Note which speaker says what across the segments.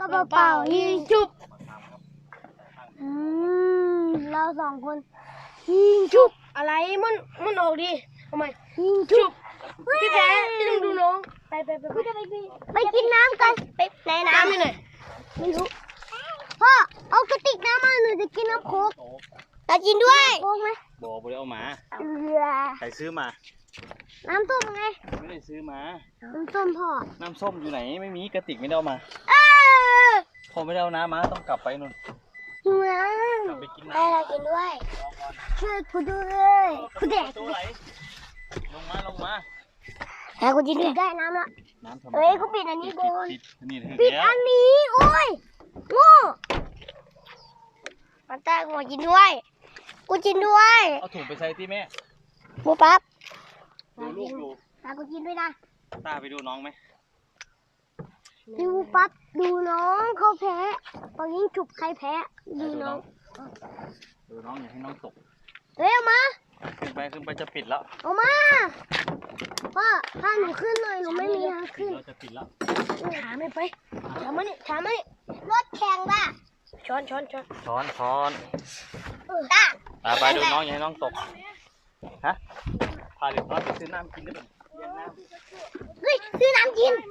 Speaker 1: เป่ายิงชุบเราสองคนยิงชุบอะไรมันออกดิทำไมยิงชุบพี่แพ้พี่ต้องดูน้องไปกินน้ำกันไปไหนน้ำอยู่ไหนไม่รู้พ่อเอากระติกน้ำมาหนูจะกินน้ำโค้กจะกินด้วยโค้กไหม
Speaker 2: บอกไปเอามาใครซื้อมา
Speaker 1: น้ำส้มไง
Speaker 2: ไม่ได้ซื้อมา
Speaker 1: น้ำส้มพ่อ
Speaker 2: น้ำส้มอยู่ไหนไม่มีกระติกไม่ได้เอามาพอไม่ได้เอาน้ำมาต้องกลับไปนู่น
Speaker 1: หิวน้ำ
Speaker 2: กลับไปกินน้ำ
Speaker 1: ไปกินด้วยช่วยกูด้วยกูแดก
Speaker 2: ลงมา
Speaker 1: แล้วกูกินได้น้ำละเฮ้ยกูปิดอันนี้ก่อนปิดอันนี้โอ้ยโง่มาตากูกินด้วยกูกินด้วย
Speaker 2: เอาถุงไปใส่ที่แม่
Speaker 1: ปูปั๊บ
Speaker 2: ดูลูกอยู่
Speaker 1: ตากูกินด้วยนะ
Speaker 2: ตาไปดูน้องไหม
Speaker 1: ดูปั๊บดูน้องเขาแพ้ตอนนี้ฉุบใครแพ้ดูน้อง
Speaker 2: อย่าให้น้องตก
Speaker 1: เร็วมา
Speaker 2: ขึ้นไปจะปิดแล้ว
Speaker 1: เอามาพ่อพาหนูขึ้นหน่อยหนูไม่มีทางขึ้น
Speaker 2: เราจะปิดแล้ว
Speaker 1: ถามไปถามมานี่รถแข่งป่ะช้อน
Speaker 2: ตาไปดูน้องอย่าให้น้องตกฮะพาเด็กน้อยไปซื้อน้ำกินได้ไหม
Speaker 1: เฮ้ยซื้อน้ำกิน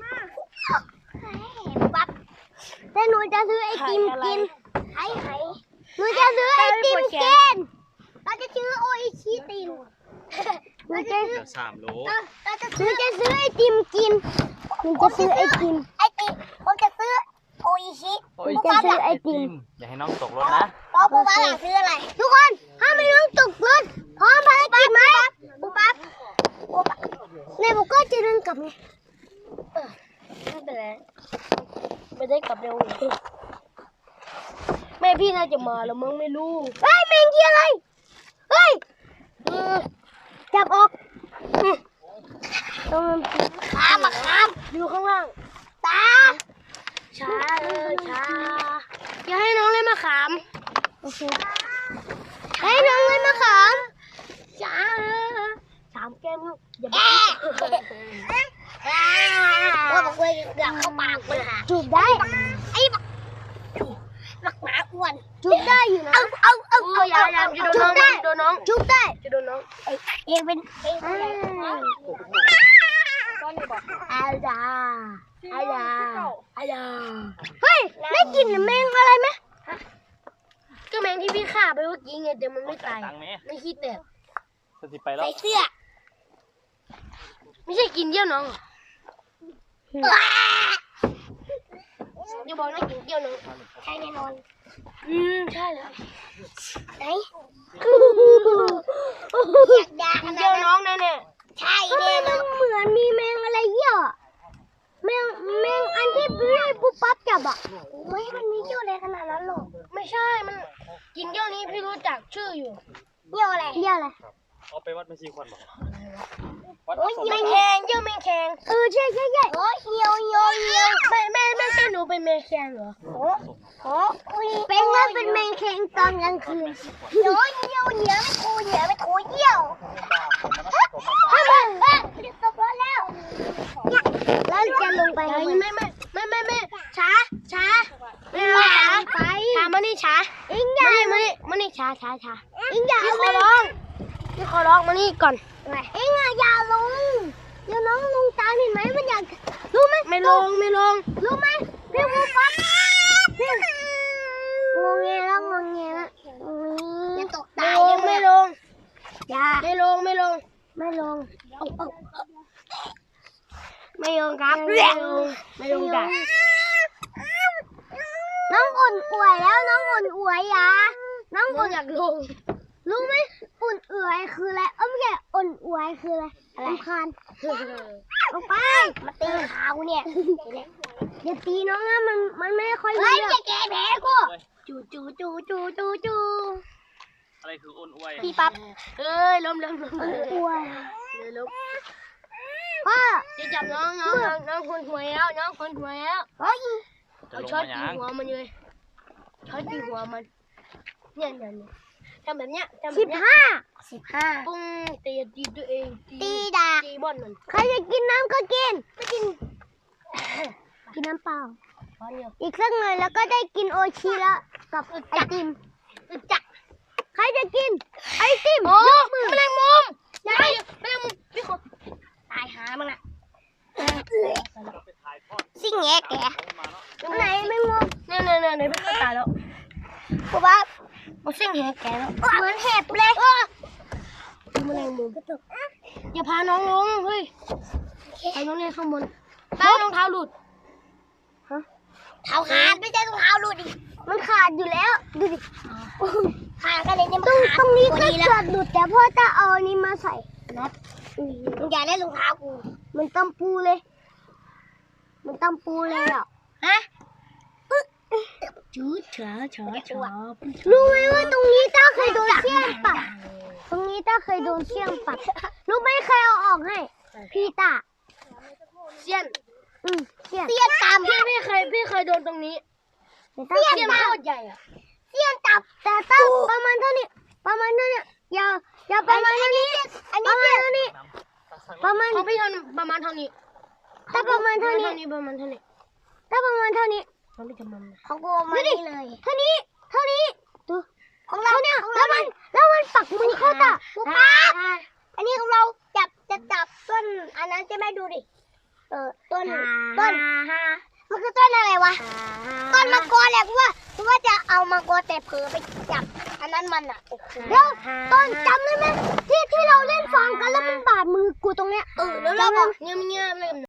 Speaker 1: ปั๊บแต่หนูจะซื้อไอติมกินหนูจะซื้อไอติมกินเราจะซื้อโออิชิติมหนูจะซื้อ
Speaker 2: 3 โล
Speaker 1: หนูจะซื้อไอติมกินหนูจะซื้อไอติมผมจะซื้อโออิชิ
Speaker 2: จะซื้อไอติมอย่าให้น้องตกรถนะ
Speaker 1: ปูปั๊บซื้ออะไรทุกคนห้ามไม่น้องตกรถพร้อมภารกิจไหมปูปั๊บในบุกก็จะเดินกลับไงไม่เป็นไรไม่ได้กลับเร็วแม่พี่น่าจะมาแล้วมึงไม่รู้เฮ้ยแมงกี้อะไรเฮ้ยจับออกต้องข้ามดูข้างล่างตาช้าอย่าให้น้องเล่นมะขามโอเคให้น้องเล่นมะขามช้า3 แก้มลูกอย่าว่าบอกเลยเกือบเข้าปากเลยค่ะจูบได้ไอ้บักหมาอ้วนจูบได้อยู่นะอย่าจูบได้จูบได้จะโดนน้องเองเป็นอาดาเฮ้ยได้กลิ่นแมงอะไรไหมก็แมงที่พี่ฆ่าไปเมื่อกี้ไงแต่มันไม่ตายไม่ขี้แตกใส่เสื้อไม่ใช่กินเยี่ยวน้องอย่าบอกนะกินเยี่ยวน้องใช่แน่นอนใช่เลยไหนกินเยี่ยวน้องแน่ใช่แน่นอนเหมือนมีแมงอะไรเยี่ยวแมงอันที่พี่ปุ๊บปั๊บจับอ่ะไม่มันมีเยี่ยวอะไรขนาดนั้นหรอกไม่ใช่มันกินเยี่ยวนี้พี่รู้จักชื่ออยู่เยี่ยวอะไร
Speaker 2: เอาไปวัดไม่ชีควันหรอ
Speaker 1: แมงแคงเยี่ยวแมงแคงใช่โอ้เหี่ยวไม่ใช่หนูเป็นแมงแคงเหรอเป็นว่าเป็นแมงแคงตอนกลางคืนเหี่ยวไม่คูเยี่ยวทำไมจะตกรถแล้วจะลงไปไม่ช้ามานี่ช้าอิงอย่ามานี่ช้าอิงอย่าพี่ขอร้องมานี่ก่อนเอ็งอย่าลงเดี๋ยวน้องลงตามเห็นไหมมันอยากรู้ไหมไม่ลงรู้ไหมพี่ปุ๊บปั๊บพี่งงเงี้ยแล้วจะตกตายไม่ลงอย่าไม่ลงครับไม่ลงจ้ะน้องอ่อนอวยแล้วน้องอ่อนอวยอย่าน้องอ่อนอยากลงรู้ไหมอ่อนอวยคืออะไรไม่ใช่อ่อนอวยคืออะไรรำคาญลงไปมาตีขากูเนี่ยอย่าตีน้องนะมันไม่ค่อยรู้เรื่องจะแก้แพ้กูจู
Speaker 2: อะไรคืออ้นอวย
Speaker 1: พี่ปั๊บล้มอวยล้มพ่อจะจับน้องคนหวยแล้วเอาช็อตตีหัวมันเลยเนี่ยทำแบบเนี้ย15ปุ้งตีตัวเองตีบอลมันใครจะกินน้ำก็กินไม่กินน้ำเปล่าอีกสักหน่อยแล้วก็ได้กินโอชิแล้วกับไอติมจักใครจะกินไอติมยกมือแมลงมุมแมลงมุมพี่คนตายหามึงละสิ่งแง่แกไหนแมลงมุมเนี่ยพี่คนตายแล้วเพราะว่ามันสิ่งแง่แกแล้วเหมือนเห็บเลยแมลงมุมอย่าพาน้องลงเฮ้ยไปน้องเล่นข้างบนป้ารองเท้าหลุดเท้าขาดไม่ใช่รองเท้าหลุดดิมันขาดอยู่แล้วดูดิขาดกันเลยเนี่ยตรงนี้ก็ขาดหลุดแต่พ่อจะเอาอันนี้มาใส่น็อตมึงอย่าเล่นรองเท้ากูมันตำปูเลยอ่ะฮะจืดเฉารู้ไหมว่าตรงนี้ต้าเคยโดนเชี่ยนปัดรู้ไหมใครเอาออกให้พี่ตาเชี่ยนตามพี่เคยโดนตรงนี้เชี่ยนโคตรใหญ่อะเชี่ยนตับแต่ตั้งประมาณเท่านี้อย่าประมาณเท่านี้ประมาณเท่านี้ของพี่ประมาณเท่านี้ถ้าประมาณเท่านี้ถ้าประมาณเท่านี้ของกูมานี่เลยเท่านี้ดูของเราเนี่ยแล้วมันปักมือเข้าตาป๊าอันนี้ของเราจับต้นอันนั้นจะไม่ดูดิต้นมันคือต้นอะไรวะต้นมังกรแหละกูว่าจะเอามังกรแต่เผลอไปจับอันนั้นมันอ่ะแล้วต้นจำได้ไหมที่เราเล่นฟองกันแล้วมันบาดมือกูตรงเนี้ยแล้วเราบอกเงี้ยเล่น